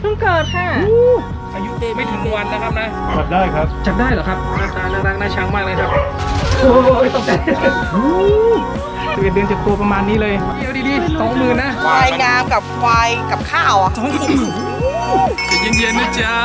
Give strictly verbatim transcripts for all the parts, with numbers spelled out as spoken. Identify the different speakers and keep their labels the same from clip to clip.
Speaker 1: พิ่งเกิดค่ะ
Speaker 2: อายุไม่ถึงวันนะครับนะ
Speaker 3: จับได้ครับ
Speaker 2: จับได้เหรอครับหน้าตาน่ารักน่าชังมากเลยครับโอ้ยตกใจสิบเอ็ดเดือนจะตัวประมาณนี้เลยเดี๋ยวดีๆสองหมื่นนะ
Speaker 1: ควายงามกับควายกับข้าวอ่ะ
Speaker 2: สองหมื่นใจเย็นๆนะจ๊ะ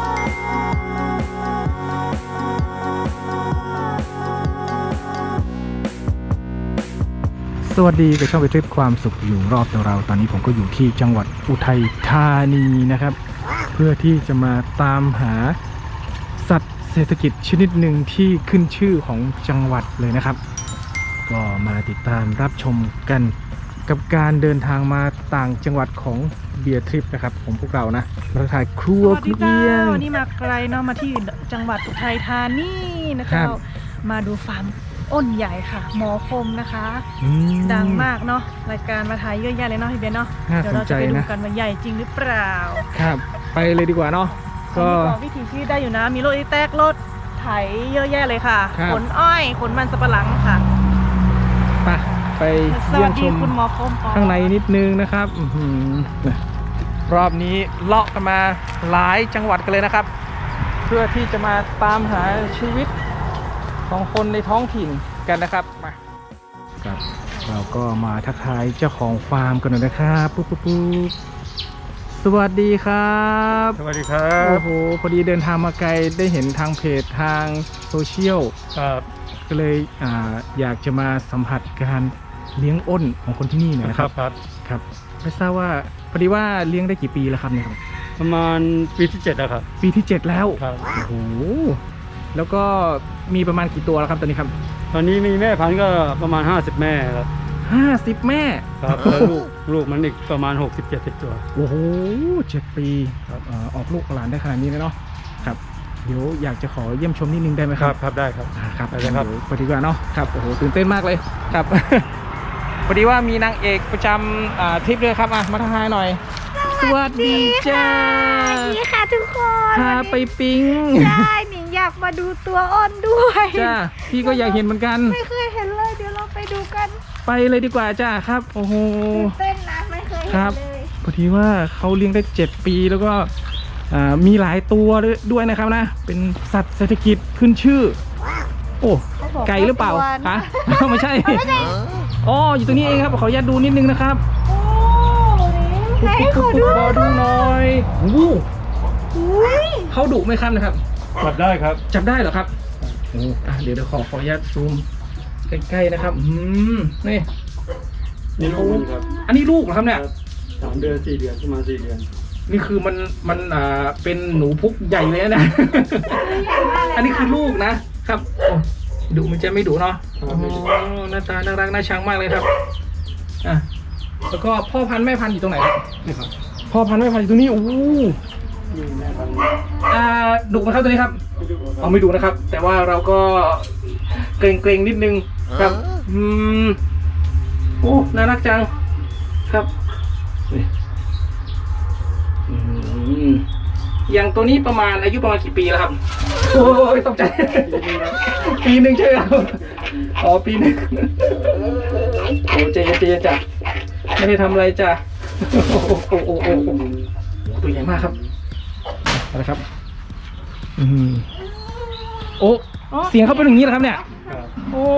Speaker 2: สวัสดีกับช่องไปทริปความสุขอยู่รอบตัวเราตอนนี้ผมก็อยู่ที่จังหวัดอุทัยธานีนะครับเพื่อที่จะมาตามหาสัตว์เศรษฐกิจชนิดหนึ่งที่ขึ้นชื่อของจังหวัดเลยนะครับก็มาติดตามรับชมกันกับการเดินทางมาต่างจังหวัดของเบียร์ทริปนะครับของพวกเรานะมาถ่ายครัว
Speaker 4: สวัส
Speaker 2: คุ
Speaker 4: ดี
Speaker 2: ณเอี
Speaker 4: เจ้าย
Speaker 2: ง
Speaker 4: วันนี้มาไกลเนาะมาที่จังหวัดอุทัยธานีนะ
Speaker 2: ครั
Speaker 4: เจ้า
Speaker 2: บ
Speaker 4: มาดูฟาร์มอ้นใหญ่ค่ะ หมอคมนะคะ
Speaker 2: อืม
Speaker 4: ดังมากเนาะรายการมาถ่ายเยอะแยะเลยเนาะพี่เบียร์เนาะ
Speaker 2: น่า
Speaker 4: เดี๋ยวเรา
Speaker 2: สนใจ
Speaker 4: จะไปดู
Speaker 2: นะ
Speaker 4: กันว่าใหญ่จริงหรือเปล่า
Speaker 2: ครับไปเลยดีกว่าเนาะก็
Speaker 4: อันนี้บอกวิถีชีวิตได้อยู่นะ มีรถอีแตกรถไถเยอะแยะเลยค่ะ
Speaker 2: ครับ
Speaker 4: ขนอ้อยขนมันสับปะหลังค่ะ
Speaker 2: ไปไป
Speaker 4: ส
Speaker 2: เยี่ย
Speaker 4: วั
Speaker 2: ม
Speaker 4: ส
Speaker 2: ช
Speaker 4: ดี
Speaker 2: ม
Speaker 4: คุณหมอคมก่อ
Speaker 2: ข้างในนิดนึงนะครับอื้อหือรอบนี้เลาะกันมาหลายจังหวัดกันเลยนะครับ เพื่อที่จะมาตามหาชีวิตของคนในท้องถิ่นกันนะครับมาครับเราก็มาทักทายเจ้าของฟาร์มกันหน่อยนะครับปุ๊บปุ๊บปุ๊บสวัสดีครับ
Speaker 3: สวัสดีครั
Speaker 2: โอ้
Speaker 3: บ
Speaker 2: โหพอดีเดินทางมาไกลได้เห็นทางเพจทางโซเชียล
Speaker 3: ครับ
Speaker 2: ก็เลยอ่าอยากจะมาสัมผัสการเลี้ยงอ้นของคนที่นี่หน่อย
Speaker 3: นะ
Speaker 2: นะ
Speaker 3: ค
Speaker 2: ค
Speaker 3: รั
Speaker 2: รั
Speaker 3: บบ ครับ
Speaker 2: ครับไม่ทราบว่าพอดีว่าเลี้ยงได้กี่ปีแล้วครับเนี่ยครับ
Speaker 3: ประมาณปีที่เจ็ดแล้วครับ
Speaker 2: ปีที่เจ็ดแล้ว
Speaker 3: ครับ
Speaker 2: โอ้โหแล้วก็มีประมาณกี่ตัวแล้วครับตอนนี้ครับ
Speaker 3: ตอนนี้มีแม่พันธุ์ก็ประมาณห้าสิบแม่ครับ
Speaker 2: ห้าสิบแม่
Speaker 3: ครับแล้วลูกลูกมันอีกประมาณหกสิบ เจ็ดสิบตัว
Speaker 2: โอ้โหเจ็ดปีครับอ่าออกลูกหลานได้ขนาดนี้เลยเนาะครับเดี๋ยวอยากจะขอเยี่ยมชมนิดนึงได้ไหม
Speaker 3: ค
Speaker 2: ค
Speaker 3: รั
Speaker 2: รั
Speaker 3: บบ ครับได้ครับ
Speaker 2: อ่าครับ
Speaker 3: ไปเลยครับ
Speaker 2: เดี๋ยวไปดีกว่าเนาะครับโอ้โหตื่นเต้นมากเลยครับ พอดีว่ามีนางเอกประจำอ่าทริปด้วยครับอ่ะมาทักทายหน่อย สวัสดีจ้า
Speaker 5: สวัสดีค่ะทุกคน
Speaker 2: พาไปปิ๊ง
Speaker 5: ใช่หนิงอยากมาดูตัวอ้นด้วย
Speaker 2: จ้าพี่ก็อยากเห็นเหมือนกัน
Speaker 5: ไม่เคยเห็นเลย เดี๋ยวเราไปดูกัน
Speaker 2: ไปเลยดีกว่าจ้าครับโอ้โห
Speaker 5: ตื่นเต้นนะไม่เคย
Speaker 2: ค
Speaker 5: เห็
Speaker 2: รั
Speaker 5: น
Speaker 2: บ
Speaker 5: เลย
Speaker 2: พอดีว่าเขาเลี้ยงได้เจ็ดปีแล้วก็อ่ามีหลายตัวด้วยนะครับนะเป็นสัตว์เศรษฐกิจขึ้นชื่อ โอ้
Speaker 5: เขาบอก
Speaker 2: ไก่หรือเปล่า
Speaker 5: ตัว
Speaker 2: ฮะ
Speaker 5: นะ
Speaker 2: ไม่ใช่อ๋ออยู่ตรงนี้เองครับขออนุญาตดูนิดนึงนะครับ
Speaker 5: โอ้หนิงให้ขอดู
Speaker 2: ขอดูหน่อยโอ้โห
Speaker 5: อุ้ย
Speaker 2: เขาดุไหมครับนะครับ
Speaker 3: จับได้ครับ
Speaker 2: จับได้เหรอครับโอ้อ่ะเดี๋ยวเดี๋ยวขอขออนุญาตซูมใกล้ๆนะครับอืมนี่
Speaker 3: นี่ลูกมันครับ
Speaker 2: อันนี้ลูกเหรอครับเนี่ย
Speaker 3: สามเดือนสี่เดือนประมาณสี่เดือน
Speaker 2: นี่คือมันมันอ่าเป็นหนูพุกใหญ่เลยนะ อันนี้คือลูกนะครับโอ้ดุมันจะไม่ดุเนาะโอ้หน้าตาน่ารักน่าชังมากเลยครับอ่ะแล้วก็พ่อพันธุ์แม่พันธุ์อยู่ตรงไหนครับ
Speaker 3: นี่ครับ
Speaker 2: พ่อพันธุ์แม่พันธุ์อยู่ตรงนี้โอ้
Speaker 3: นี่แม่พันธุ์
Speaker 2: อ่าดุไหมครับตัวนี้ครับ
Speaker 3: ไม่ดูค
Speaker 2: เอา
Speaker 3: รับ
Speaker 2: ไม่ดุนะครับ แต่ว่าเราก็เกรงเกรงๆนิดนึงครับอืมโอ้น่ารักจังครับนี่อืมอย่างตัวนี้ประมาณอายุประมาณกี่ปีแล้วครับโอ้ยตกใจ ปีหนึ่งใช่ไหมครับอ๋อปีหนึ่งโอ้ใจเย็นใจเย็นจ้ะไม่ได้ทำอะไรจ้ะโอ้โหโอ้โหโอ้โหตัวใหญ่มากครับเอาละครับอืมโอ้เสียงเขาเป็นอย่างนี้เหรอครับเนี่ย
Speaker 3: ครับ
Speaker 2: โอ้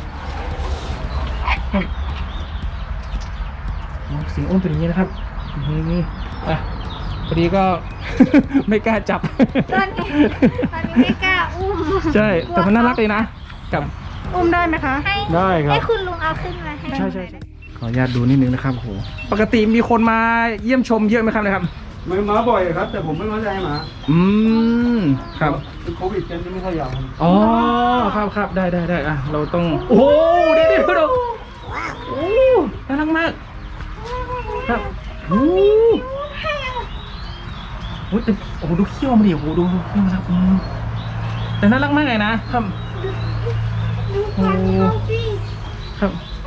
Speaker 2: ครับเสียงอ้นเป็นอย่างนี้นะครับอืมอ่ะพอดีก็ ไม่กล้าจับ
Speaker 5: ตอนนี้ตอนนี้ไม่กล้าอุ้ม
Speaker 2: ใช่แต่มันน่ารักเลยนะกับ
Speaker 4: อุ้มได้ไหมคะ
Speaker 5: ให้
Speaker 3: ได้ครับ
Speaker 5: ให้คุณลุงเอาขึ้นมาให้
Speaker 2: ใช่ใช่ใช่ขออนุญาตดูนิดนึงนะครับโหปกติมีคนมาเยี่ยมชมเยอะไหมครับนะครับ
Speaker 3: ไม่มาบ่อยครับ แต่ผมไม่มาใจหมา
Speaker 2: อืมครับ
Speaker 3: เป็นโควิดกันจะไม่ค่อยอยากทำ
Speaker 2: อ๋อครับครับได้ได้ได้อ่ะเราต้องโอ้โหเดี๋ยวเดี๋ยวดูโอ้น่ารักมากครับโอ้โหแต่โอ้โหดูเขี้ยวมันดิโอ้โหดูดูเขี้ยวมันครับอืมแต่น่ารักมากเลยนะครับ
Speaker 5: ดูฟันเขาสิ
Speaker 2: ครับ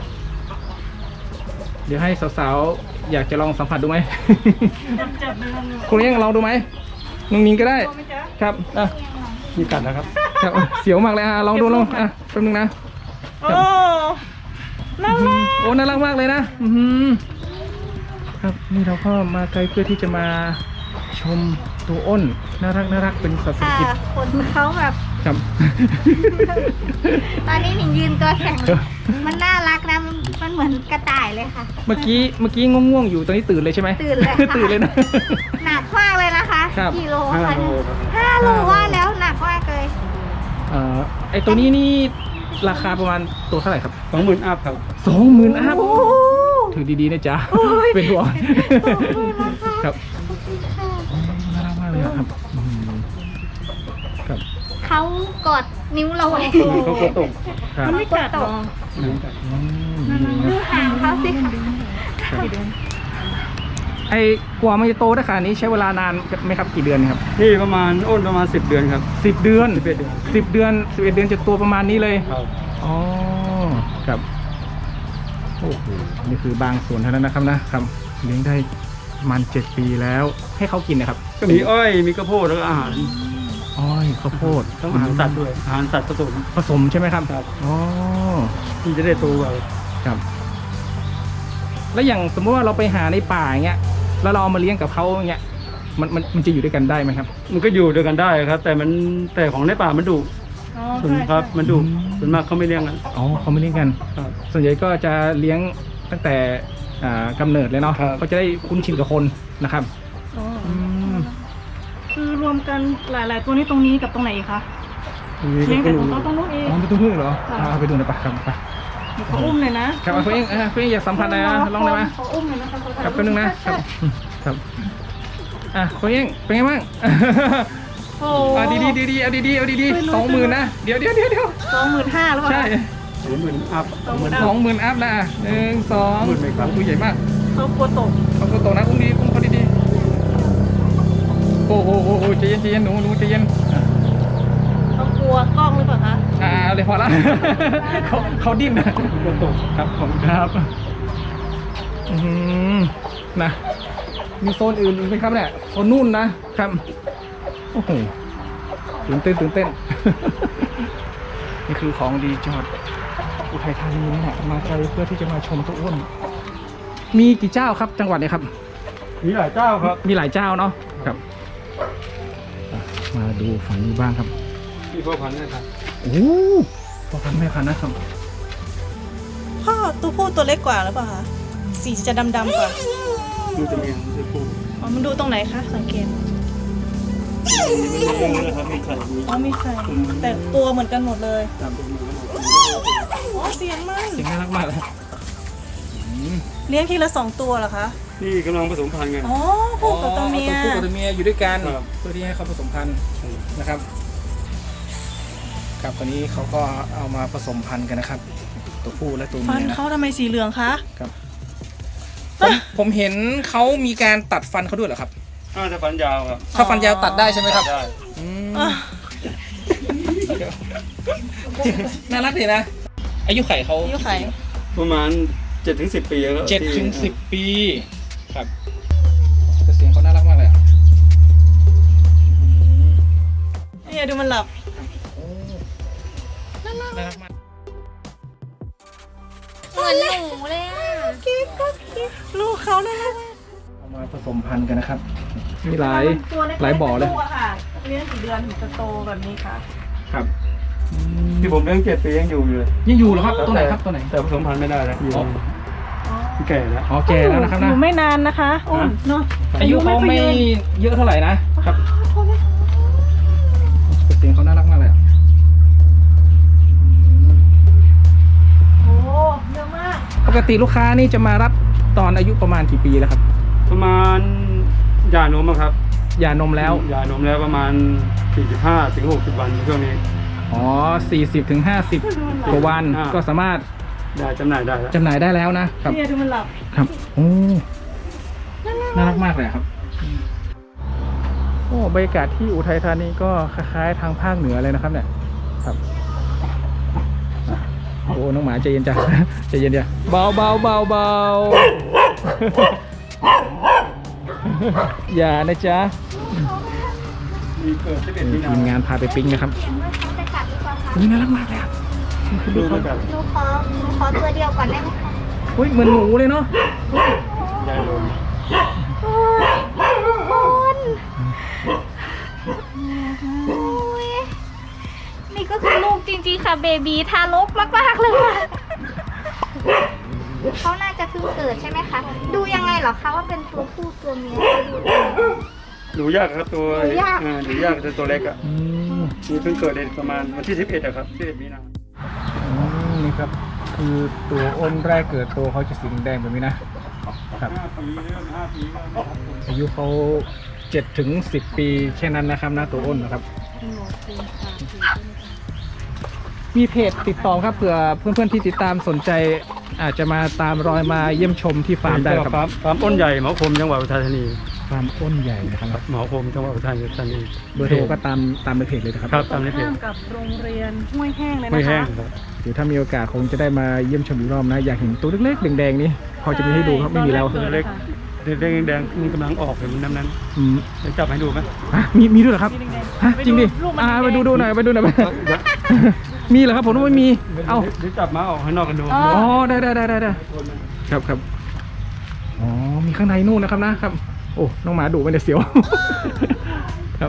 Speaker 2: เดี๋ยวให้สาวๆอยากจะลองสัมผัสดูไหม
Speaker 4: จับเลย
Speaker 2: คุณยังลองดูไหมน้องนิงก็ได้
Speaker 4: ไหมจ๊ะ
Speaker 2: ครับอ่ะ
Speaker 3: มีกัดนะครับ
Speaker 2: ครับเสียวมากเลยอ่ะลองดูลองอ่ะแป๊บนึงนะ
Speaker 4: โอ้น่ารัก
Speaker 2: โอ้น่ารักมากเลยนะอือหือครับนี่เราก็มาไกลเพื่อที่จะมาชมตัวอ้นน่ารักน่ารักเป็นสัตว์เศรษฐ
Speaker 5: ค่ะ
Speaker 2: กิจ
Speaker 5: ขนเขาแบบ
Speaker 2: ครับ
Speaker 5: ตอนนี้หนิงยืนตัวแข็ง มันน่ารักนะ มันมันเหมือนกระต่ายเลยค่ะ
Speaker 2: เมื่อกี้เมื่อกี้ง่วงๆอยู่ตอนนี้ตื่นเลยใช่ไหม
Speaker 5: ตื่นเลยค่ะ
Speaker 2: ตื่นเลยนะ
Speaker 5: หนักมากเลยนะคะ
Speaker 2: ครับ
Speaker 5: กิโล
Speaker 3: ห้า
Speaker 5: ค่ะ
Speaker 3: โลครับ
Speaker 5: ห้าโลว่าแล้วหนักมากเลย
Speaker 2: เอ่อไอตัวนี้นี่ราคาประมาณตัวเท่าไหร่ครับ
Speaker 3: สองหมื่นอัพครับ
Speaker 2: สองหมื่นอัพถือดีๆนะจ๊ะเป็นห่วงครับ
Speaker 5: ค่ะ
Speaker 2: น่ารักมากเลยอะครับอืมครับ
Speaker 5: เขากอดนิ้วเราไว้
Speaker 3: เขากดตก
Speaker 2: ครับ
Speaker 4: มันไม่กัดหรอ
Speaker 2: อืม
Speaker 5: ดูหางเขาสิ
Speaker 2: ไอ้กว่ามันจะโตได้ขนาดนี้ใช้เวลานานไหมครับกี่เดือนครับ
Speaker 3: นี่ประมาณอ้นประมาณสิบเดือนครับ
Speaker 2: สิบเดือน
Speaker 3: สิบเอ็ดเดือน
Speaker 2: สิบเดือนสิบเอ็ดเดือนจะตัวประมาณนี้เลย
Speaker 3: ครับ
Speaker 2: อ๋อครับโอ้โหนี่คือบางส่วนเท่านั้นนะครับนะครับเลี้ยงได้ประมาณเจ็ดปีแล้ว ให้เขากินนะครับ
Speaker 3: ก็มีอ้อยมีข้าวโพดแล้วก็อาหาร
Speaker 2: อ้อยข้าวโพด
Speaker 3: ต้องอาหารสัตว์ด้วยอาหารสัตว์ผสม
Speaker 2: ผสมใช่ไหมครับ
Speaker 3: ครับ
Speaker 2: อ๋อ
Speaker 3: ที่จะได้โตไว
Speaker 2: ครับ แล้วอย่างสมมติว่าเราไปหาในป่าอย่างเงี้ยแล้วเราเอามาเลี้ยงกับเขาอย่างเงี้ยมันมันมันจะอยู่ด้วยกันได้ไหมครับ
Speaker 3: มันก็อยู่ด้วยกันได้ครับ แต่มันแต่ของในป่ามันดุ
Speaker 4: อ๋อ
Speaker 3: ส่วน
Speaker 4: ใช่
Speaker 3: ครับ
Speaker 4: ใช่
Speaker 3: มันดุ
Speaker 2: อืม
Speaker 3: ส่วนมากเขาไม่เลี้ยงกัน
Speaker 2: อ๋อเขาไม่เลี้ยงกัน
Speaker 3: ครับ
Speaker 2: ส่วนใหญ่ก็จะเลี้ยงตั้งแต่อ่ากำเนิดเลยเนาะ
Speaker 3: ครับ
Speaker 2: ก็จะได้คุ้นชินกับคนนะครับ
Speaker 4: อ๋อ
Speaker 2: อืม
Speaker 4: คือรวมกันหลาย ๆ ตัวนี้ตรงนี้กับตรงไหนอีกคะเลี้ยงแต่ของเขาตรงนู้นเอง
Speaker 2: อ๋อไปตุ้งพึ่งเหรอ
Speaker 4: ค่ะ
Speaker 2: อ่าไปดูหน่อยปะครับไป
Speaker 4: เดี๋ยวเขาอุ้มเลยนะครับ
Speaker 2: เอาคุณเองอ่าคุณเองอยากสัมผัสอะไรนะลองเลยไหม
Speaker 4: เขาอุ้มเลยนะคะเขา
Speaker 2: ครับแป๊บนึงนะครับครับอ่ะคุณเองเป็นไงบ้าง
Speaker 4: โอ้
Speaker 2: อ่าดีดีดีดีเอาดีดีเอาดีดีสองหมื่นนะเดี๋ยวเดี๋ยวเดี๋ยวเดี๋ยว
Speaker 4: สองหมื่นห้าหรือเปล่า
Speaker 2: ใช่
Speaker 3: สองหมื่นอัพ
Speaker 4: สองหมื่น
Speaker 2: สองหมื่นอัพนะหนึ่งสอง
Speaker 3: หมื่นไหมครับ
Speaker 2: ตัวใหญ่มาก
Speaker 4: เขากลัวตก
Speaker 2: เขาตัวโตนะอุ้งดีอุ้งเขาดีดีโอ้โหโอ้โหใจเย็นใจเย็นหนูหนูใจเย็น
Speaker 4: เขากลัวกล้องหรือเปล่าคะ
Speaker 2: อ่าเอาเลยพอละ เขาเขาดิ้นนะ
Speaker 3: ก็ตก
Speaker 2: ครับผมครับอืมนะมีโซนอื่นอีกไหมครับเนี่ยโซนนู่นนะครับโอ้โหตื่นเต้นตื่นเต้น นี่คือของดีจังหวัดอุทัยธานีนี่แหละมาไกลเพื่อที่จะมาชมตัวอ้วนมีกี่เจ้าครับจังหวัดเนี่ยครับ
Speaker 3: มีหลายเจ้าครับ
Speaker 2: มีหลายเจ้าเนาะครับอ่ะมาดูฝั่งนี้บ้างครับ
Speaker 3: ที่พ่อพันธุ์นะครับ
Speaker 2: โอ้พ่อพันธุ์แม่พันธุ์นะครับ
Speaker 4: พ่อตัวผู้ตัวเล็กกว่าหรือเปล่าคะสีจะดำๆกว่า
Speaker 3: ดูจะมีจะปู
Speaker 4: อ๋อมันดูตรงไหนคะสังเกต
Speaker 3: มีนะครับมีไข่มี
Speaker 4: อ๋อมีไข่แต่ตัวเหมือนกันหมดเลย
Speaker 3: ตามตัวมีทั้งหมด
Speaker 4: อ๋อเสียงมัน
Speaker 2: เสียงน่ารักมากเลยอืม
Speaker 4: เลี้ยงทีละสองตัวเหรอคะ
Speaker 3: นี่กำลังผสมพันธุ์กัน
Speaker 4: อ๋อผู้กับตัวเมีย
Speaker 2: อ๋อตัวผู้กับตัวเมียอยู่ด้วยกัน
Speaker 3: ครับ
Speaker 2: เพื่อที่ให้เขาผสมพันธุ์นะครับครับตอนนี้เขาก็เอามาผสมพันธุ์กันนะครับ ตัวผู้และตัว
Speaker 4: ฟั
Speaker 2: เมี
Speaker 4: น
Speaker 2: ยนะ
Speaker 4: เขาทำไมสีเหลืองคะ
Speaker 2: ครับผมผมเห็นเขามีการตัดฟันเขาด้วยเหรอครับ
Speaker 3: น่าจะฟันยาวครับ
Speaker 2: ถ้าฟันยาวตัดได้ใช่ไหมครับ
Speaker 3: ได้
Speaker 2: อืม
Speaker 4: อ่ะ
Speaker 2: น่ารักดีนะ อายุไขเขา
Speaker 4: อายุไข่
Speaker 3: ประมาณเจ็ดถึงสิบปีแล้ว
Speaker 2: เจ็ดถึงสิบปี ครับแต่เสียงเขาน่ารักมากเลยอะ
Speaker 4: เนี่ยดูมันหลับ
Speaker 2: น่ารักมาก
Speaker 5: เหมือนหนูเลยอ่ะ
Speaker 4: ลูกเขาน่ารัก
Speaker 2: เอามาผสมพันธุ์กันนะครับ มีหลาย
Speaker 4: ตัวเล็กๆ
Speaker 2: หลายบ่อเลย
Speaker 4: ตัวค่ะเลี้ยงกี่เดือนถึงจะโตแบบนี้คะ
Speaker 2: ครับ
Speaker 3: ที่ผมเลี้ยงเจ็ดปียังอยู่อยู่เลย
Speaker 2: ยังอยู่เหรอครับ ตัวไหนครับ ตัวไหน
Speaker 3: แต่ผสมพันธุ์ไม่ได้แล้วอยู่
Speaker 2: อ๋อ
Speaker 3: แก่แล้ว
Speaker 2: อ๋อแก่แล้วนะครับ
Speaker 4: อ
Speaker 2: นะ
Speaker 4: ยู่ไม่นานนะคะอุ้มเนาะ
Speaker 2: อายุเขาไม่
Speaker 4: ค่อยยืน
Speaker 2: เยอะเท่าไหร่นะครับ
Speaker 4: โทษนะ
Speaker 2: แต่เสียงเขาน่ารักมากเลยอะ
Speaker 4: โอ้เยอะมาก
Speaker 2: ปกติลูกค้านี่จะมารับตอนอายุประมาณกี่ปีแล้วครับ
Speaker 3: ประมาณหย่านมอะครับ
Speaker 2: หย่านมแล้ว
Speaker 3: หย่านมแล้วประมาณสี่สิบห้าถึงหกสิบวันช่วงนี้
Speaker 2: อ๋อสี่สิบถึงห้าสิบกว่าวัน
Speaker 3: อ่า
Speaker 2: ก็สามารถ
Speaker 3: ได้จำหน่ายได้แล้ว
Speaker 2: จำหน่ายได้แล้วนะครับ
Speaker 4: เนี่ยดูมันหลับ
Speaker 2: ครับ โอ้ น่ารักมากเลยอะครับ โอ้บรรยากาศที่อุทัยธานีก็คล้ายๆทางภาคเหนือเลยนะครับ เนี่ย ครับอ่ะโอ้ น้องหมาใจเย็นจ้ะ ใจเย็นเดียวเบาเบาเบาเบา อย่านะจ๊ะ
Speaker 3: มีเกิดสิบเอ็ดมีนา
Speaker 2: ทีมงานพาไปปิ๊งนะครับ
Speaker 5: เห็นว่าเขาจะกัดหรือเปล่าคะ
Speaker 2: นี่น่ารักมากเลยอะ
Speaker 3: ดูเหมือนกัน
Speaker 5: หนูขอหนูขอตัวเดียวก่อนได้ไหมคะ
Speaker 2: เฮ้ยเหมือนหมูเลยเนาะ
Speaker 3: ยายลม
Speaker 5: โอ้ยทุกคนโอ้ยนี่ก็คือลูกจริงๆค่ะเบบีทารกมากๆเลยค่ะเขาน่าจะเพิ่งเกิดใช่ไหมคะดูยังไงเหรอคะว่าเป็นตัวผู้ตัวเมีย
Speaker 3: ดูยากครับตัว
Speaker 5: ดูยาก
Speaker 3: อ่าดูยากแต่ตัวเล็กอ่ะ
Speaker 2: อืม
Speaker 3: นี่เพิ่งเกิดในประมาณวันที่สิบเอ็ดอะครับสิบเอ็ดมีนา
Speaker 2: อืมนี่ครับคือตัวอ้นแรกเกิดตัวเขาจะสีแดงแบบนี้นะครับ
Speaker 3: ห้าปีเริ่มห้าปีแล้วนะครับ
Speaker 2: อายุเขาเจ็ดถึงสิบปีแค่นั้นนะครับนะตัวอ้นนะครับ มีเพจติดต่อครับเผื่อเพื่อนๆที่ติดตามสนใจอาจจะมาตามรอยมาเยี่ยมชมที่ฟาร์มได้ครับ
Speaker 3: ฟาร์มฟาร์มอ้นใหญ่หมอคมจังหวัดอุทัยธานี
Speaker 2: ฟาร์มอ้นใหญ่นะครับ
Speaker 3: หมอคมจังหวัดอุทัยธานี
Speaker 2: เบอร์โทรก็ตามตามในเพจเลยนะครับ
Speaker 3: ครับตามในเพจ
Speaker 4: ข้ามกับโรงเรียนห้วยแห้งเลย
Speaker 3: ไม่
Speaker 4: นะ
Speaker 3: แห้
Speaker 4: คะ
Speaker 3: งครับ
Speaker 2: เดี๋ยวถ้ามีโอกาสคงจะได้มาเยี่ยมชมอีกรอบนะอยากเห็นตัวเล็กๆแดงๆนี่พอจะมีให้ดูครับไม่มีแล้ว
Speaker 3: ตัวเล็กเด็กแดงๆมันกำลังออกเห็นน้ำนั้น
Speaker 2: อืม
Speaker 3: จะจับให้ดูไหม
Speaker 2: ฮะมีมีด้วยเหรอครับ
Speaker 4: มีแดงๆ
Speaker 2: ฮะจริงดิ
Speaker 4: ลูกมัน
Speaker 2: อ่า
Speaker 4: แดงๆ
Speaker 2: ไปดูดูหน่อยไปดูหน่อย มีเหรอครับผมว่าไม่มีเอ้า
Speaker 3: เดี๋ยวจับมาออกข้างนอกกันดู
Speaker 4: อ๋อ
Speaker 2: อ๋อได้ได้ได้ได้ได้ครับครับอ๋อมีข้างในนู่นนะครับนะครับโอ้น้องหมาดุไปเดี๋ยวเสียว ครับ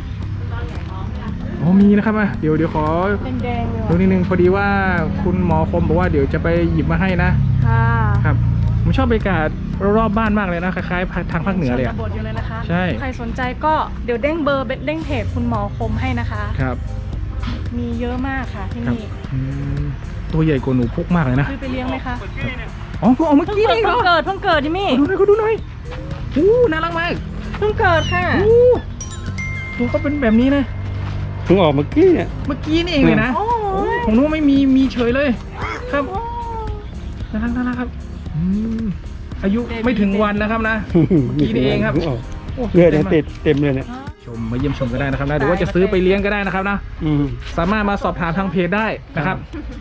Speaker 2: อ๋อมีนะครับอ่ะเดี๋ยวเดี๋ยวขอ
Speaker 4: แดงๆเลย
Speaker 2: ดู
Speaker 4: ว่ะ
Speaker 2: นิดนึงพอดีว่าคุณหมอคมบอกว่าเดี๋ยวจะไปหยิบมาให้นะ
Speaker 4: ค่ะ
Speaker 2: ครับผมชอบบรรยากาศรอบๆบ้านมากเลยนะคล้ายๆทางภาคเหนือเลย
Speaker 4: ช
Speaker 2: อะ
Speaker 4: นบทอยู่เลยนะคะ
Speaker 2: ใช่
Speaker 4: ใครสนใจก็เดี๋ยวเด้งเบอร์เด้งเพจคุณหมอคมให้นะคะ
Speaker 2: ครับ
Speaker 4: มีเยอะมากค่ะที่
Speaker 2: ครับ
Speaker 4: นี่
Speaker 2: อืมตัวใหญ่กว่าหนูพุกมากเลยนะ
Speaker 4: ซื้อไปเลี้ยงไหมคะ
Speaker 2: อ๋อเพิ่งออกเมื่อ
Speaker 4: เพิ่ง
Speaker 2: กี้
Speaker 4: เกิด
Speaker 2: นี่เหร
Speaker 4: เพิ่
Speaker 2: อง
Speaker 4: เกิดเพิ่งเกิดจิมมี่
Speaker 2: ขอดูหน่อยขอดูหน่อยอู้น่ารักมาก
Speaker 4: เพิ่งเกิดค่ะ
Speaker 2: อู้ตัวเขาเป็นแบบนี้นะ
Speaker 3: เพิ่งออกเมื่อกี้เนี่ย
Speaker 2: เมื่อกี้นี่เองเลยนะ
Speaker 4: โอ้ย
Speaker 2: ของนู้นไม่มีมีเฉยเลย ครับน่ารักน่ารักครับอืมอายุไม่ถึงวันนะครับนะ เมื่อกี้นี่เองครับ
Speaker 3: พิ่ก
Speaker 2: โอ้
Speaker 3: เลือดเนี่ย
Speaker 2: มาก
Speaker 3: ติดเต็มเลยเนี่ย
Speaker 2: ชมมาเยี่ยมชมก็ได้นะครับนะหรือว่าจะซื้อไปเลี้ยงก็ได้นะครับนะ
Speaker 3: อืม
Speaker 2: สามารถมาสอบถามทางเพจได้นะครับ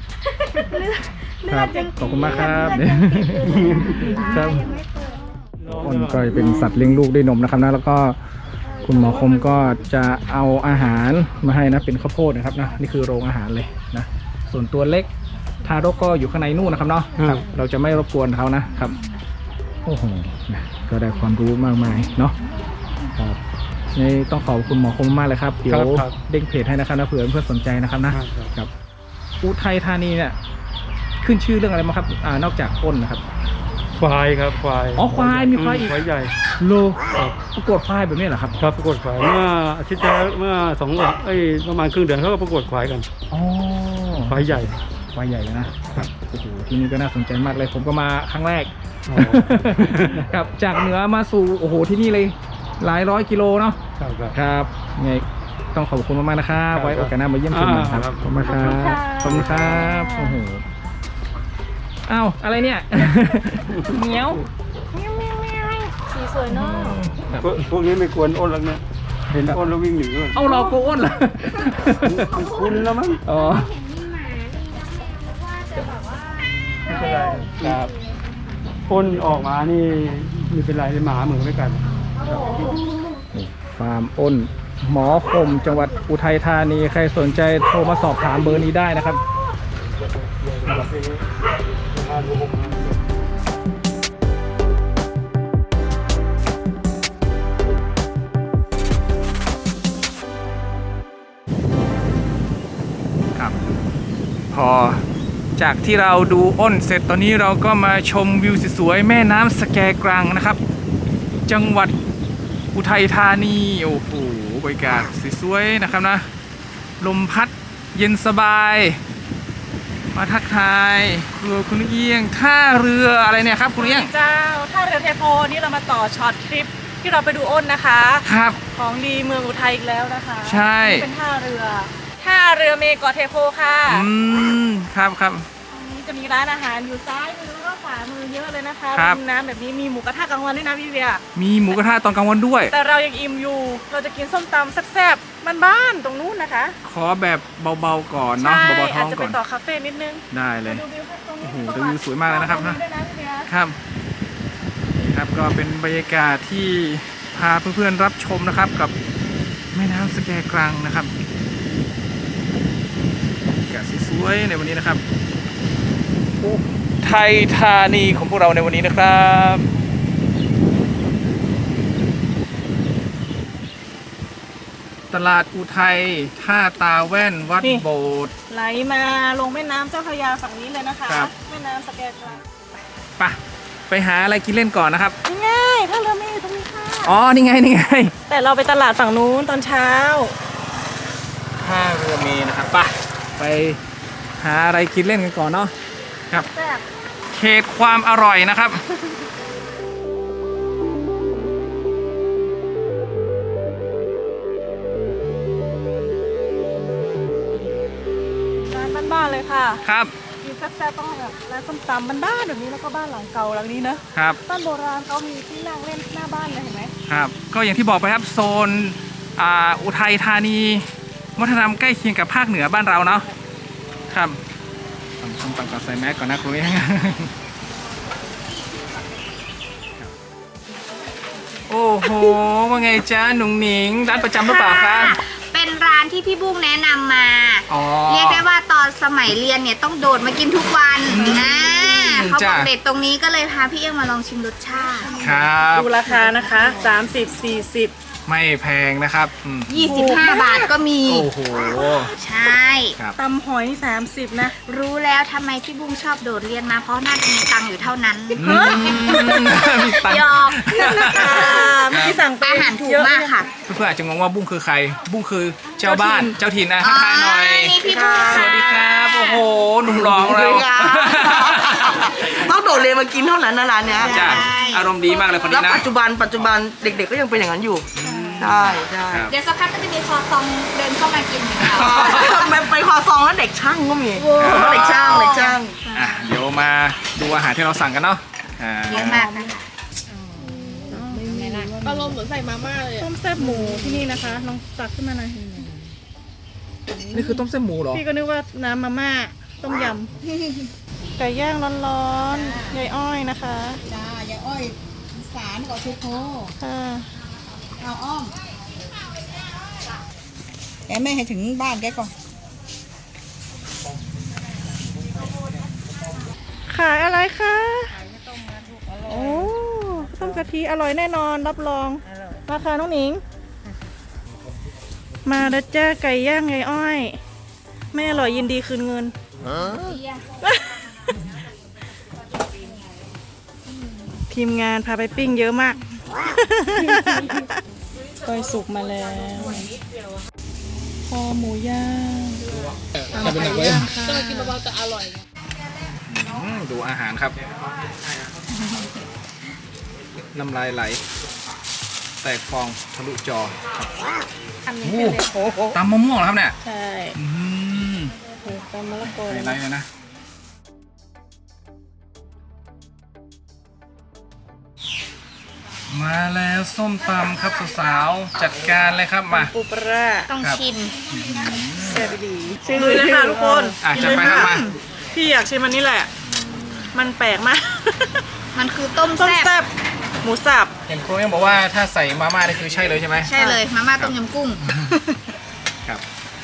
Speaker 2: ครับขอบคุณมากครับ ครับ
Speaker 5: ยังไม่เปิด
Speaker 2: อ้นก็จะเป็นสัตว์เลี้ยงลูกด้วยนมนะครับนะแล้วก็คุณหมอคมก็จะเอาอาหารมาให้นะเป็นข้าวโพดนะครับนะนี่คือโรงอาหารเลยนะส่วนตัวเล็กทารกก็อยู่ข้างในนู่นนะครับเนาะครับเราจะไม่รบกวนเขานะครับโอ้โหนะก็ได้ความรู้มากมายเนาะครับนี่ต้องขอบคุณหมอคมมากเลยครับเดี๋ยวเด้งเพจให้นะครับนะเผื่อเพื่อนสนใจนะครับนะครับอุทัยธานีเนี่ยขึ้นชื่อเรื่องอะไรมาครับอ่านอกจากอ้นนะครับ
Speaker 3: ควายครับควาย
Speaker 2: อ๋อควายมีควายอีก
Speaker 3: ควายใหญ่
Speaker 2: โลประกวดควายแบบนี้เหรอครับ
Speaker 3: ครับประกวดควายเมื่ออาทิตย์ที่แล้วเมื่อสองวันเอ้ยประมาณครึ่งเดือนเขาก็ประกวดควายกัน
Speaker 2: อ๋อ
Speaker 3: ควายใหญ่
Speaker 2: ควายใหญ่เลยนะครับโอ้โหที่นี่ก็น่าสนใจมากเลยผมก็มาครั้งแรก
Speaker 3: อ๋อ
Speaker 2: ครับจากเหนือมาสู่โอ้โหที่นี่เลยหลายร้อยกิโลเนาะ
Speaker 3: ครับครับ
Speaker 2: ครับไงต้องขอบคุณมากๆนะครับ
Speaker 3: ครับ
Speaker 2: ไว้โอกาสหน้ามาเยี่ยมชมกันครับ
Speaker 3: อ่าครับ
Speaker 2: ขอบคุณมากครับขอบคุณครับโอ้โหอ้าวอะไรเนี่ย เหมียว
Speaker 4: สีสวยเนาะ
Speaker 2: ครับ
Speaker 3: พวกพวกนี้ไม่กวนอ้นหรอกเนี่ยเห็นอ้นแล้ววิ่งหนีเลย
Speaker 2: เอาเราโกอ้นเหรอ
Speaker 3: มันคุ้นแล้วมั้ง
Speaker 2: อ๋อ
Speaker 5: เห็นมีหมานี่แล้วแม่ก็ว่าจะแบบว่า
Speaker 3: ไม่เป็นไร
Speaker 2: ครับ
Speaker 3: อ้นออกมานี่ไม่เป็นไรเลยหมาเหมือนไม่กัน
Speaker 2: นี่ฟาร์มอ้นหมอคมจังหวัดอุทัยธานีใครสนใจโทรมาสอบถามเบอร์นี้ได้นะครับ ครับพอจากที่เราดูอ้นเสร็จตอนนี้เราก็มาชมวิวสวยๆแม่น้ำสแกกรังนะครับ จังหวัดอุทัยธานีโอ้โหบรรยากาศสวยๆนะครับนะลมพัดเย็นสบายมาทักทายครัวคุณเอียงท่าเรืออะไรเนี่ยครับคุณเอียง
Speaker 4: เจ้าท่าเรือเทโพนี่เรามาต่อช็อตคลิปที่เราไปดูอ้นนะคะ
Speaker 2: ครับ
Speaker 4: ของดีเมืองอุทัยอีกแล้วนะคะ
Speaker 2: ใช่
Speaker 4: นี่เป็นท่าเรือท่าเรือเมเกาะเทโพค่ะ
Speaker 2: อืมครับครับ
Speaker 4: ตรงนี้จะมีร้านอาหารอยู่ซ้ายมือแล้วก็ขวามือเยอะเลยนะคะ
Speaker 2: ครับ
Speaker 4: ริมน้ำแบบนี้มีหมูกระทะกลางวันด้วยนะพี่เบียร์
Speaker 2: มีหมูกระทะตอนกลางวันด้วย
Speaker 4: แต่เรายังอิ่มอยู่ เราจะกินส้มตำแซ่บๆบ้านๆตรงนู้นนะคะ
Speaker 2: ขอแบบเบาๆก่อนเนาะ
Speaker 4: ใช่
Speaker 2: เบาๆท้
Speaker 4: อา
Speaker 2: อ
Speaker 4: จ
Speaker 2: ง
Speaker 4: จะ
Speaker 2: ก่
Speaker 4: ไป
Speaker 2: อน
Speaker 4: ต่อคาเฟ่นิดนึง
Speaker 2: ได้เลย
Speaker 4: มาดูวิวตรงนี้
Speaker 2: โอ้โหแต่วิวสวยมากเลยนะครับนะ
Speaker 4: ด้วยนะพี่เบียร์
Speaker 2: ครับนี่ครับก็เป็นบรรยากาศที่พาเพื่อนๆรับชมนะครับกับแม่น้ำสแกกรังนะครับบรรยากาศสวยๆในวันนี้นะครับอุทัยธานีของพวกเราในวันนี้นะครับตลาดอุทัยท่าตาแว่นวัดโบสถ์
Speaker 4: ไหลมาลงแม่น้ำเจ้าพระยาฝั่งนี้เลยนะคะ
Speaker 2: ครับ
Speaker 4: แม่น้ำสแกกลาง
Speaker 2: ไปไปหาอะไรกินเล่นก่อนนะครับ
Speaker 4: ง่ายถ้าเราไม่อยู่ตรงนี้ค่ะ
Speaker 2: อ๋อ นี่ไง นี่ไง
Speaker 4: แต่เราไปตลาดฝั่งนู้นตอนเช้า
Speaker 2: ท่าเรือเมนะครับไปไปหาอะไรกินเล่นกันก่อนเนาะครับ
Speaker 4: แซ่บ
Speaker 2: เขตความอร่อยนะครับ
Speaker 4: ร้านบ้านๆเลยค่ะ
Speaker 2: ครับ
Speaker 4: กินแซ่บๆต้องแบบร้านส้มตำบ้านๆแบบนี้แล้วก็บ้านหลังเก่าหลังนี้นะครับ บ้านโบราณเขามีที่นั่งเล่นหน้าบ้านเลยเห็นไหม
Speaker 2: ครับ ก็อย่างที่บอกไปครับโซนอ่าอุทัยธานีวัฒนธรรมใกล้เคียงกับภาคเหนือบ้านเราเนาะครับทำส้มตำก่อนใส่แมสก่อนนะคุย โอ้โหว่าไงจ้าหนุ่งหนิงร้านประจำหรือเปล่าคะ
Speaker 5: เป็นร้านที่พี่บุ้งแนะนำมา
Speaker 2: อ๋อ
Speaker 5: เรียกได้ว่าตอนสมัยเรียนเนี่ยต้องโดดมากินทุกวันนะเขาบอก
Speaker 2: จ้ะ
Speaker 5: เด็ดตรงนี้ก็เลยพาพี่เอื้องมาลองชิมรสชาติ
Speaker 2: ครับ
Speaker 4: ดูราคานะคะสามสิบ สี่สิบ
Speaker 2: ไม่แพงนะครับอืม
Speaker 5: ยี่สิบห้า บาทก็มี
Speaker 2: โอ้โห
Speaker 5: ใช่
Speaker 2: ครับ
Speaker 4: ตำหอยนี่สามสิบนะ
Speaker 5: รู้แล้วทำไมพี่บุ้งชอบโดดเรียนมาเพราะน่าจะมีตังค์อยู่เท่านั้น
Speaker 2: อืมมีตังค์
Speaker 5: หยอก
Speaker 4: เมื่อกี้สั่งไป
Speaker 5: อาหารถูกมากค่ะ
Speaker 2: เพื่อนๆอาจจะงงว่าบุ้งคือใคร บุ้งคือเจ้าบ้านเจ้าถิ่นนะทักทายหน่อย
Speaker 5: นี่พี่บุ้ง
Speaker 2: สวัสดีครับ โอ้โห หนุ่มหล่อของเรา
Speaker 1: ต้องโดดเรียนมากินเท่านั้นนะร้านเนี้ย
Speaker 2: จ้ะอารมณ์ดีมากเลยคน
Speaker 1: แล้
Speaker 2: นี้
Speaker 1: ว
Speaker 2: นะ
Speaker 1: ปัจจุบันปัจจุบันเด็กๆก็ยังเป็นอย่างนั้นอยู่ใช่ใช่
Speaker 2: ครับ
Speaker 5: เดี๋ยวสักพักก็จะมีคอซองเดินเข้ามากินเหมือนกัน
Speaker 1: ไปไปคอซองแล้วเด็กช่างก็มีเด็กช่างเด็กช่าง
Speaker 2: อ่ะเดี๋ยวมาดูอาหารที่เราสั่งกันเนาะอ่า
Speaker 5: เยอะมากนะคะ
Speaker 4: ต้มแซ่บหมูที่นี่นะคะลองตักขึ้นมาหน่อย
Speaker 2: นี่คือต้มเส้นหมูเหรอ
Speaker 4: พี่ก็นึกว่าน้ำมาม่าต้มยำ ไก่ย่างร้อนๆยายอ้อยนะคะ
Speaker 6: จ้ายายอ้อยอีสารกับชุกโฮ
Speaker 4: ค่ะ
Speaker 6: เอาอ้อมแกไม่ให้ถึงบ้านแกก่อน
Speaker 4: ขายอะไรคะโอ้ต้มกะทิอร่อยแน่นอนรับรองราคาน้องหนิง มาดัจ้าไก่ย่างยายอ้อย ไม่อร่อยยินดีคืนเงิน ทีมงานพาไปปิ้งเยอะมากก้อยสุกมาแล้วคอหมูย่าง
Speaker 2: จะเป็นหนักไว้ดูอาหารครับ น้ำลายไหล แตกฟองทะลุจอครับโอ้โหตำมะม่วงเหรอครับเนี่ย
Speaker 4: ใช่
Speaker 2: อืม
Speaker 4: ตำมะละกอ
Speaker 2: ไฮไลท์เลยนะ มาแล้วส้มตำครับสาวๆจัดการเลยครับมา
Speaker 4: ปูปลาร้า
Speaker 5: ต้อง
Speaker 2: ครับ
Speaker 5: ชิม
Speaker 4: แซ่บดีชิมเลยนะคะทุกคน
Speaker 2: อ่ะจัดไปครับมา
Speaker 4: พี่อยากชิมอันนี้แหละ มันแปลกมาก
Speaker 5: มันคือต้ม
Speaker 4: ต้ม
Speaker 5: แซ่
Speaker 4: แซ่
Speaker 5: บบ
Speaker 4: หมูสับ
Speaker 2: เห็นครูยังบอกว่าถ้าใส่มาม่านี่คือใช่เลยใช่ไหม
Speaker 5: ใช่เลยมาม่าต้มยำกุ้ง
Speaker 2: ครับ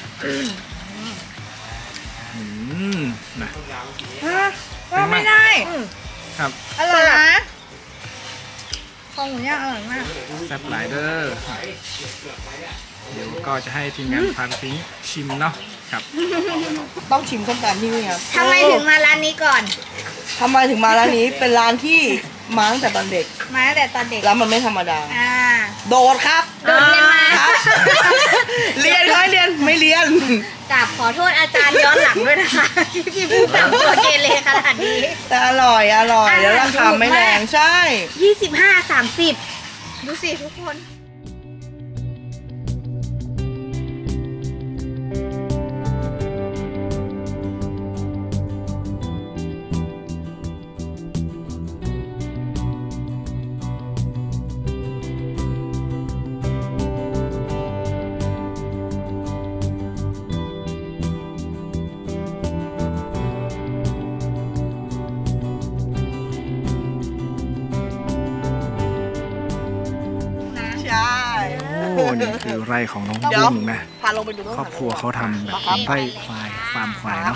Speaker 2: อืมนะ
Speaker 5: ว่าไม่ได้
Speaker 2: ครับ
Speaker 5: อร่อยนะคอหมูย่างอร่อยมาก
Speaker 2: แซ่บหลายเด้อเดี๋ยวก็จะให้ทีมงานพาไปปิ้งชิมเนาะครับ
Speaker 1: ต้องชิมส้มตำที่นี่ครับ
Speaker 5: ทำไมถึงมาร้านนี้ก่อน
Speaker 1: ทำไมถึงมาร้านนี้เป็นร้านที่มาตั้งแต่ตอนเด็ก
Speaker 5: มาตั้งแต่ตอนเด็ก
Speaker 1: แล้วมันไม่ธรรมดา
Speaker 5: อ่า
Speaker 1: โดดครับ
Speaker 5: โดดเรียนมา
Speaker 1: ครับ เรียนเขาให้เรียนไม่เรียน
Speaker 5: กราบขอโทษอาจารย์ย้อนหลังด้วยนะคะ ที่พี่พูดแบบตัวเกเรขนาดนี้
Speaker 1: แต่อร่อยอร่อยแล้วราคาไม่แรงใช่
Speaker 5: ยี่สิบห้า สามสิบ ดูสิทุกคน
Speaker 1: ใช่
Speaker 2: โอ้นี่คือไร่ของน้อง
Speaker 1: เดี๋ยว
Speaker 2: บุ้งนะ
Speaker 1: พาลงไปดูต้น
Speaker 2: ครอบครัวเขาทำแบบไร่ควายฟาร์มควายเนาะครับ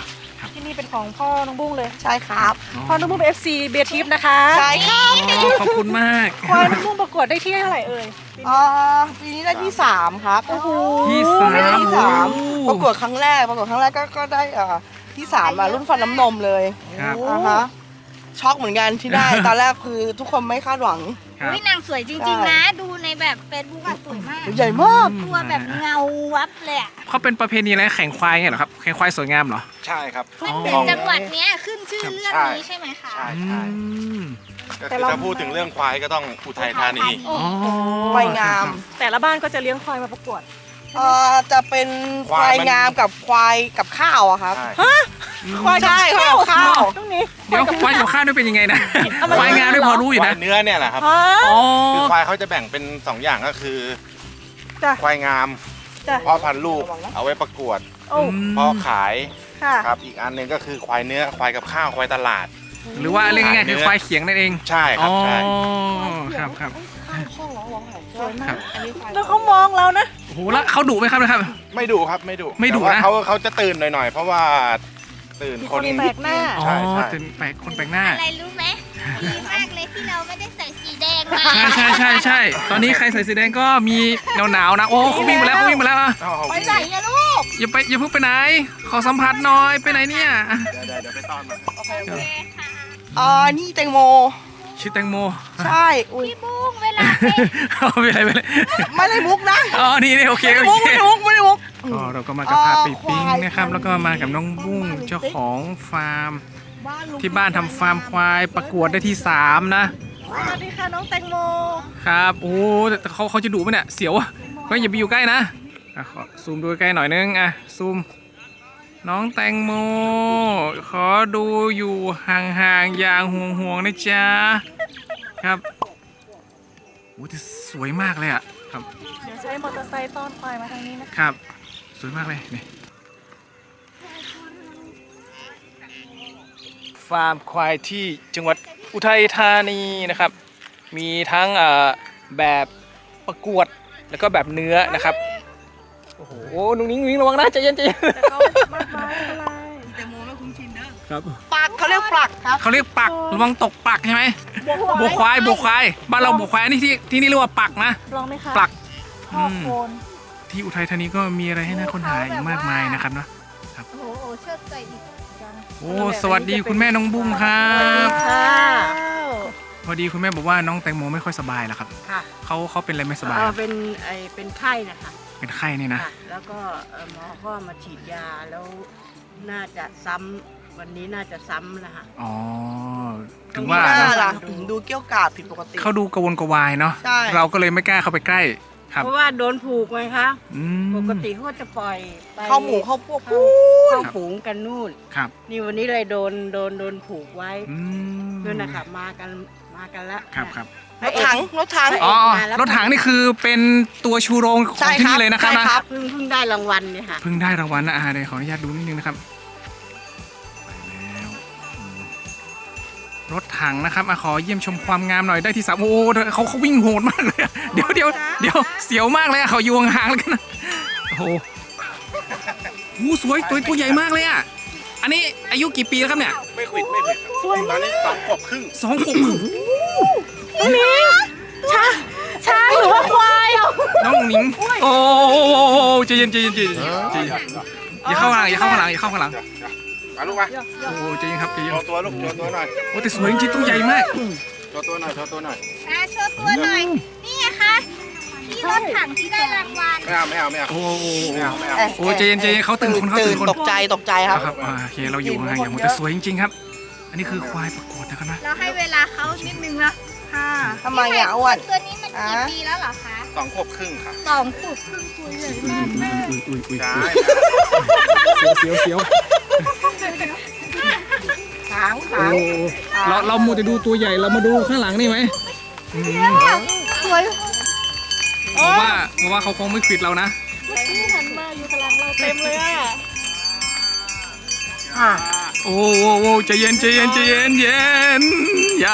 Speaker 4: ที่นี่เป็นของพ่อน้องบุ้งเลย
Speaker 1: ใช่ครับ
Speaker 4: พ่อน้องบุ้งเป็น เอฟ ซี เบียร์ทิพย์นะคะ
Speaker 1: ใช่ครับ
Speaker 2: อ๋อขอบคุณมาก
Speaker 4: ควายน้องบุ้งประกวดได้ที่เท่าไหร่เอ่ย
Speaker 1: อ่าปีนี้ได้ที่สามครับ
Speaker 4: โอ้โห
Speaker 2: ที่สาม
Speaker 1: ได้ที่สาม
Speaker 2: โอ้
Speaker 1: ประกวดครั้งแรกประกวดครั้งแรกก็ก็ได้อ่าที่สามมารุ่นฟันน้ำนมเลย
Speaker 2: ครับ
Speaker 1: อ่าฮะช็อกเหมือนกันที่ได้ ตอนแรกคือทุกคนไม่คาดหวัง
Speaker 2: ครับ
Speaker 5: วินางสวยจริง ๆ นะ ดูในแบบเฟซบุ๊กอะสวยมาก
Speaker 1: ใหญ่มาก
Speaker 5: ตัวแบบเงาวับเลยอะ
Speaker 2: เขาเป็นประเพณีอะไรแข่งควายไงเหรอครับแข่งควายสวยงามเหรอ
Speaker 7: ใช่ครับ
Speaker 5: มันเป็นจังหวัดเนี้ยขึ้นชื่อเรื่องนี้ใช่ไหมคะ
Speaker 7: ใช่
Speaker 2: อื
Speaker 7: ใช่
Speaker 2: ม
Speaker 7: ก็คือถ้าพูดถึงเรื่องควายก็ต้องอุทัยธานี
Speaker 2: อ๋อ
Speaker 1: ควายงาม
Speaker 4: แต่ละบ้านก็จะเลี้ยงควายมาประกวด
Speaker 1: เอ่อจะเป็นควายงามกับควายกับข้าวอะครับ
Speaker 7: ใช่
Speaker 4: ควายกับ
Speaker 1: ใช่ควายกับข้าว
Speaker 4: ตรงนี้
Speaker 2: เดี๋ยวควายกับข้าวนี่เป็นยังไงนะควายงามด้วยพอรู้อยู่
Speaker 7: ควา
Speaker 2: นะ
Speaker 7: ยเนื้อเนี่ยแหละครับ
Speaker 4: ฮะ
Speaker 2: อ๋อ
Speaker 7: คือควายเขาจะแบ่งเป็นสองอย่างก็คือ
Speaker 4: จ้ะ
Speaker 7: ควายงาม
Speaker 4: จ้ะ
Speaker 7: พ่อพันธุ์ลูกเอาไว้ประกวด
Speaker 4: โอ้
Speaker 7: พ่อขาย
Speaker 4: ค่ะ
Speaker 7: ครับ อีกอันหนึ่งก็คือควายเนื้อควายกับข้าวควายตลาด
Speaker 2: หรือว่าเรียกง่ายๆคือควายเขียงนั่นเอง
Speaker 7: ใช่ค
Speaker 2: อ๋
Speaker 7: รั
Speaker 2: อบ
Speaker 7: ใช่
Speaker 2: ครับครับ
Speaker 1: สวยมากอันนี้ควาย
Speaker 4: แล้วเขามองเรานะ
Speaker 2: โอ้โหแล้วเขาดุไหมครับนะครับ
Speaker 7: ไม่ดุครับไม่ดุ
Speaker 2: ไม่ดุ
Speaker 7: แต่ว่า
Speaker 2: นะ
Speaker 7: เขาเขาจะตื่นหน่อยๆ เพราะว่าตื่น
Speaker 4: มี
Speaker 7: ค
Speaker 4: คน นแปลกหน้า
Speaker 2: อ๋อ
Speaker 7: ใช่ใช่
Speaker 2: เป็นแปลกคนแปลกหน้า
Speaker 5: อะไรรู้ไหมดีมากเลยที่เราไม่ได้ใส่สีแดงมา
Speaker 2: ใช่ใช่ใช่ใช่ตอนนี้ใครใส่สีแดงก็มีหนาวๆนะโอ้เขาวิ่งมาแล้วเขาวิ่งมาแล้วอ่ะ
Speaker 7: เอาเอา
Speaker 1: ไปไหนอะลูก
Speaker 2: อย่าไปอย่าเพิ่งไปไหน ขอสัมผัสหน่อยไปไหนเนี่ยอ่ะ
Speaker 7: เดี๋ยวเดี๋ยวเดี๋ยวไปต้อนมัน
Speaker 5: โอเคค่ะ
Speaker 1: อ่านี่แตงโม
Speaker 2: ชื่อแตงโม
Speaker 1: ใช่อุ้ย
Speaker 5: พี่บุ้งเวลาไป
Speaker 2: เอาไปเลยไปเลย
Speaker 1: ไม่ได้มุกนะ
Speaker 2: อ๋อนี่นี่โอเค
Speaker 1: ไม่ได้
Speaker 2: โอ
Speaker 1: มุก
Speaker 2: เค
Speaker 1: ไม่ได้มุกไม่ได้มุก
Speaker 2: ก็เราก็มากับพาปีปิ้ง
Speaker 1: อ่า
Speaker 2: นะครับ แล้วก็มากับน้องบุ้งเจ้าของฟาร์ม
Speaker 1: บ้านลุง
Speaker 2: ที่บ้านทำฟาร์มควายประกวดได้ที่สามนะ
Speaker 4: สวัสดีค่ะน้องแตงโม
Speaker 2: ครับโอ้แต่เขาเขาจะดุไหมเนี่ยเสียวอ่ะก็อย่าไปอยู่ใกล้นะอ่ะขอซูมดูใกล้หน่อยนึงอ่ะซูมน้องแตงโม ขอดูอยู่ห่างๆอย่างห่วงๆนะจ๊ะครับโอ้แต่สวยมากเลยอ่ะครับ
Speaker 4: เดี๋ยวใช้มอเตอร์ไซค์ต้อนควายมาทางนี้นะครับ
Speaker 2: สวยมากเลยนี่ฟาร์มควายที่จังหวัดอุทัยธานีนะครับ มีทั้งเอ่อแบบประกวดแล้วก็แบบเนื้อนะครับโอ้โหนุ่งนิ้งนุ่งนิ้งระวังนะใจเย็นใจเย็น
Speaker 4: แต่เขามากมายไม่เป็นไร
Speaker 1: แตงโมไม่คุ้นชินเด้อ
Speaker 2: ครับ
Speaker 1: ปักเขาเรียกปักครับ
Speaker 2: เขาเรียกปักระวังตกปักใช่ไหมบวควายบวควายบ้านเราบวควายอันนี่ที่ที่นี่เรียกว่าปักนะ
Speaker 4: ลองไหมคะ
Speaker 2: ปัก
Speaker 4: พ่อโคน
Speaker 2: ที่อุทัยธานีก็มีอะไรให้น่าค้นหาอีกมากมายนะครับเนาะ
Speaker 5: โอ้โหเชิดใส่อีก
Speaker 2: โอ้สวัสดีคุณแม่น้องบุ้งครับ
Speaker 1: ค่ะ
Speaker 2: พอดีคุณแม่บอกว่าน้องแตงโมไม่ค่อยสบายแล้วครับ
Speaker 8: ค่ะ
Speaker 2: เขาเขาเป็นอะไรไม่สบาย
Speaker 8: เอ่อเป็นไอเป็นไข้นะคะ
Speaker 2: เป็นไข้นี่นะ
Speaker 8: ค่ะ แล้วก็เอ่อหมอก็มาฉีดยาแล้วน่าจะซ้ำวันนี้น่าจะซ้ำนะคะ
Speaker 2: อ๋อถึง
Speaker 1: มี
Speaker 2: ว่า
Speaker 1: หน้า
Speaker 2: เนอะ
Speaker 1: ล่ะดูเกี้ยวกาดผิดปกติ
Speaker 2: เขาดูกระวนกระวายเนาะ
Speaker 1: ใช่
Speaker 2: เราก็เลยไม่กล้าเข้าไปใกล้ครับ
Speaker 8: เพราะว่าโดนผูกไงคะ
Speaker 2: อืม
Speaker 8: ปกติเขาก็จะปล่อยไป
Speaker 1: เข้าหมูเข้าพวก
Speaker 8: เข้า
Speaker 1: ปุ๊บ
Speaker 8: เข้าฝูงกันนู่น
Speaker 2: ครับ
Speaker 8: นี่วันนี้เลยโดนโดนโดนผูกไว้
Speaker 2: อืม
Speaker 8: นู่นนะคะมากันมากันแล้ว
Speaker 2: ครับครับ
Speaker 1: รถถังรถถัง
Speaker 8: พระเก
Speaker 2: อ๋อ
Speaker 8: มาแล้ว
Speaker 2: รถถังนี่คือเป็นตัวชูโรงข
Speaker 1: ใช่
Speaker 2: องที่
Speaker 1: ครับ
Speaker 2: นี่เลยนะครับ
Speaker 1: ใช่
Speaker 2: นะครับ
Speaker 8: เพิ่งเพิ่งได้รางวัลเนี่ยค่ะ
Speaker 2: เพิ่งได้รางวัลนะอาเดี๋ยวขออนุญาตดูนิดนึงนะครับไปแล้วอืมรถถังนะครับอะขอเยี่ยมชมความงามหน่อยได้ที่สามโอ้โหเขาเขาวิ่งโหดมากเลยอะเดี๋ยวเดี๋ยวเดี๋ยวเสียวมากเลยอะเขาอยู่ห่างๆแล้วกันนะโอ้โหโอ้โหสวยตัวตัวใหญ่มากเลยอะอันนี้อายุกี่ปีแล้วครับเนี่ย
Speaker 7: ไม่ขวิดไม่ขวิดครับตอนนี้สองขวบครึ่ง
Speaker 2: สองขวบครึ่ง
Speaker 4: ช้างหรือว่าควาย
Speaker 2: น้องหนิงโอ้โหใจเย็นใจเย็นใจเย็นใจเย็นอย่าเข้าข้างหลังอย่าเข้าข้างหลังอย่าเข้าข้างหลัง
Speaker 7: มาลูกมา
Speaker 2: โอ้โหใจเย็นครับใจเย็น
Speaker 7: โชว์ตัวลูกโชว์ตัวหน่อย
Speaker 2: โอ้แต่สวยจริงๆตัวใหญ่มาก
Speaker 7: โชว์ตัวหน่อยโชว์ตัวหน่อย
Speaker 5: อ่ะโชว์ตัวหน่อย นี่ไงคะที่รถถังที่ได้รางวัล
Speaker 7: ไม่เอาไม่เอาไม่เอา
Speaker 2: โอ้โห
Speaker 7: ไม่เอาไม่เอา
Speaker 2: โอ้ใจเย็นใจเย็นเขาตื่นคนเขาตื่นคน
Speaker 1: ตกใจตกใจครับ
Speaker 2: ครับอ่าโอเคเราอยู่ห่างอย่างหมดแต่สวยจริงๆครับ อันนี้คือควายประกวดนะครับนะ
Speaker 5: เราให้เวลาเขานิดนึงนะ
Speaker 4: ค่ะ
Speaker 1: ทำไมอ่ะอ้วน
Speaker 5: ตัวนี้มันกี่ปีแล้วเหรอคะ
Speaker 7: สองขวบครึ่งค่ะ
Speaker 5: สองขวบครึ่งคุยเลยมากแม่
Speaker 2: อุ้ยอุ้ยอุ้ย
Speaker 7: ใช่
Speaker 2: เสียวเสียว
Speaker 1: หาง
Speaker 2: โอ้
Speaker 1: หาง
Speaker 2: เราเรามัวแต่ดูตัวใหญ่เรามาดูข้างหลังนี่ไหมอืม
Speaker 1: สวย
Speaker 2: ผมว่าผมว่าเขาคงไม่ขิดเรานะ
Speaker 4: ที่หันมาอยู่พลังเราเต็มเลยอ่ะ
Speaker 1: ค่ะ
Speaker 2: โอ้โหโอ้ใจเย็นใจเย็นใจเย็นเย็นอย่า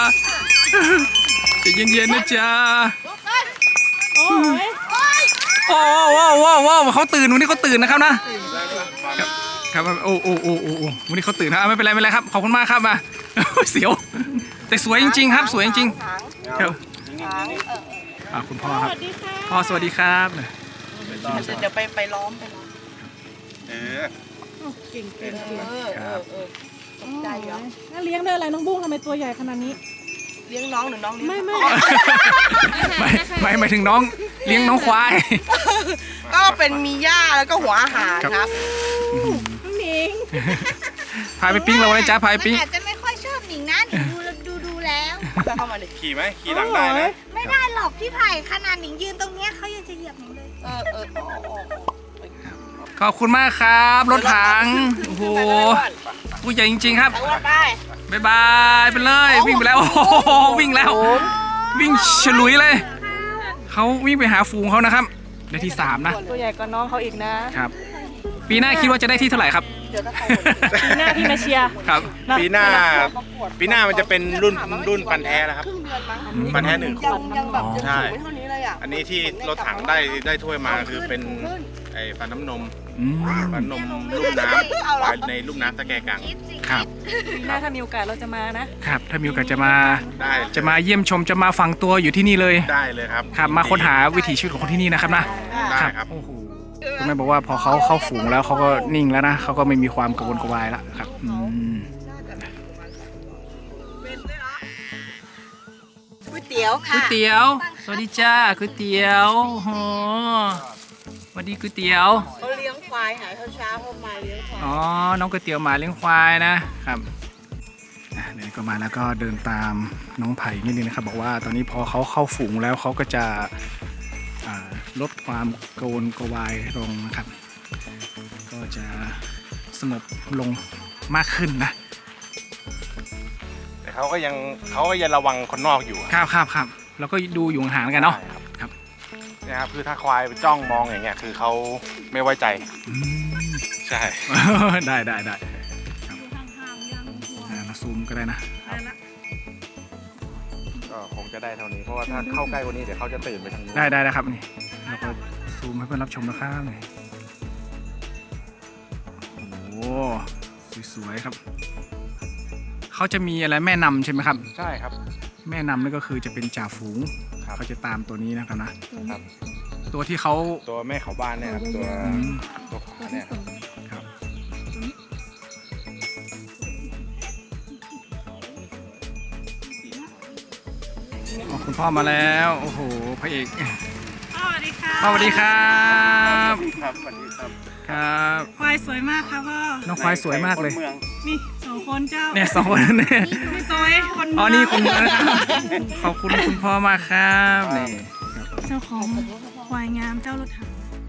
Speaker 2: ใจเย็นเย็นนะจ๊ะ
Speaker 4: โอ้ย
Speaker 2: โอ้โหโอ้โหโอ้โหเขาตื่นวันนี้เขาตื่นนะครับนะครับคครับโอ้โอ้โอ้โอ้โอ้วันนี้เขาตื่นนะอ่ะไม่เป็นไรไม่เป็นไรครับขอบคุณมากครับมา เสียวแต่สวยจริงๆครับสวยจริงๆครับอ่ะคุณพ่อครับพ่อสวัสดีครับ
Speaker 1: เดี๋ยวไปไปล้อมไปล้อม
Speaker 7: เออ
Speaker 4: เก่งเก่ง
Speaker 1: เออเออเออตกใจเหรอ
Speaker 4: น่าเลี้ยงด้วยอะไรน้องบุ้งทำไมตัวใหญ่ขนาดนี้
Speaker 1: เลี้ยงน้องหรือน้องเลี้ยง
Speaker 4: ไม่ไม่
Speaker 2: ไม่ไม่หมายถึงน้องเลี้ยงน้องควาย
Speaker 1: ก็เป็นมีหญ้าแล้วก็หัวอาหารครับ
Speaker 4: น้องหนิง
Speaker 2: พาไปปิ้งเราเลยจ้าพาไป
Speaker 5: มัน
Speaker 2: ปิ้ง
Speaker 5: อาจจะไม่ค่อยชอบหนิงนะหนิงดูดูดูแล้ว
Speaker 1: เข้ามาดิ
Speaker 7: ขี่ไหมขี่หลังได้นะ
Speaker 5: ไม่ได้หรอกพี่ไผ่ขนาดหนิงยืนตรงเนี้ยเขายังจะเหยียบหนิงเลย
Speaker 1: เออเออโอ้โอ้
Speaker 2: ขอบคุณมากครับรถถังโอ้โหผู้ใหญ่จริงๆครับ
Speaker 1: ทั้งวันไป
Speaker 2: บ๊ายบายไปเลยวิ่งไปแล้วโอ้โหวิ่งแล้ว วิ่งฉลุยเลยเขาวิ่งไปหาฝูงเขานะครับได้ที่สามนะ
Speaker 4: ตัวใหญ่กว่าน้องเขาอีกนะครับ
Speaker 2: ปีหน้าคิดว่าจะได้ที่เท่าไหร่ครับ
Speaker 1: เดี๋ยวถ้าใคร
Speaker 4: ปีหน้าพี่มาเชียร์
Speaker 2: ครับ
Speaker 7: ปีหน้า ปีหน้ามันจะเป็นรุ่นรุ่นพันธุ์แท้แล้วครับ
Speaker 1: ครึ่งเดือนมั้ง
Speaker 7: พันธุ์แท้หนึ่ง
Speaker 1: ยังยังแบบยัง
Speaker 7: ใช่
Speaker 1: สูงไม่เท่านี้เลยอ่ะ
Speaker 7: อันนี้ที่รถถังได้ได้ถ้วยมาคือเป็นไอ้ฟันน้ำนม
Speaker 2: อืม
Speaker 7: ฟันนมลูกน้ำปลายในลูกน้ำตะแกกัง
Speaker 5: คิดสิ
Speaker 2: ครับ
Speaker 4: ปีหน้าถ้ามีโอกาสเราจะมานะครับ
Speaker 2: ถ้ามีโอกาสจะมา
Speaker 7: ได้
Speaker 2: จะมาเยี่ยมชมจะมาฝังตัวอยู่ที่นี่เลย
Speaker 7: ได้เลยครับ
Speaker 2: ครับมาค้นหาวิถีชีวิตของคนที่นี่นะครับนะ
Speaker 7: ได้ครับ
Speaker 2: โอ้โหคุณแม่บอกว่าพอเขาเข้าฝูงแล้วเขาก็นิ่งแล้วนะเขาก็ไม่มีความกังวลกระวายแล้วครับอืม
Speaker 1: ก๋วยเตี๋ยว
Speaker 2: ก๋วย
Speaker 1: ค่ะ
Speaker 2: เตี๋ยว สวัสดีจ้าก๋วยเตี๋ยวโอ้สวัสดีก๋วยเตี๋ยว
Speaker 1: เขาเลี้ยงควายหายเช้าๆเขามาเลี้ยงควาย
Speaker 2: อ๋อน้องก๋วยเตี๋ยวหมาเลี้ยงควายนะครับอ่ะเดี๋ยวก็มาแล้วก็เดินตามน้องไผ่นิดนึงนะครับบอกว่าตอนนี้พอเขาเข้าฝูงแล้วเขาก็จะอ่าลดความกังวลกระวายลงนะครับ ก็จะสงบลงมากขึ้นนะ
Speaker 7: แต่เขาก็ยังเขาก็ยังระวังคนนอกอยู่
Speaker 2: ครับครับครับแล้วก็ดูอยู่ห่างๆกันเนาะ ครับ
Speaker 7: เนี่ยครับคือถ้าควายไปจ้องมองอย่างเงี้ยคือเขาไม่ไว้ใจ
Speaker 2: อืม
Speaker 7: ใช่
Speaker 2: ได้ได้ได้ครับอ่าเราซูมก็ได้นะ
Speaker 7: ก็คงจะได้เท่านี้เพราะว่าถ้าเข้าใกล้กว่านี้เดี๋ยวเขาจะตื่นไปทางนู้น
Speaker 2: ได้ได้นะครับนี่เราก็ซูมให้เพื่อนรับชมนะครับนี่โอ้โหสวยๆครับเขาจะมีอะไรแม่นำใช่ไหมครับ
Speaker 7: ใช่ครับ
Speaker 2: แม่นำนี่ก็คือจะเป็นจ่าฝูง
Speaker 7: ครับ
Speaker 2: เขาจะตามตัวนี้นะครับนะ
Speaker 7: ครับ
Speaker 2: ตัวที่เขา
Speaker 7: ตัวแม่เขาบ้านเนี่ยครับตัว
Speaker 2: อืม
Speaker 7: ตัวขวาเนี่ยครับ
Speaker 2: ครับอ๋อคุณพ่อมาแล้วโอ้โหพระเอก
Speaker 4: สวัสดีค่ะ
Speaker 2: พ่อสวัสดีครับ
Speaker 7: ครับสวัสดีครับ
Speaker 2: ครับ
Speaker 4: ควายสวยมากค่ะพ่อ
Speaker 2: น้องควายสวยมากเลย
Speaker 4: นี่สองคนเจ้า
Speaker 2: เนี่ยสองคนเนี่ย
Speaker 4: พี่จอยคน
Speaker 2: อ๋อนี่คุณพ่อนะครับขอบคุณคุณพ่อมากครับนี่
Speaker 4: เจ้าของควายงามเจ้ารถถัง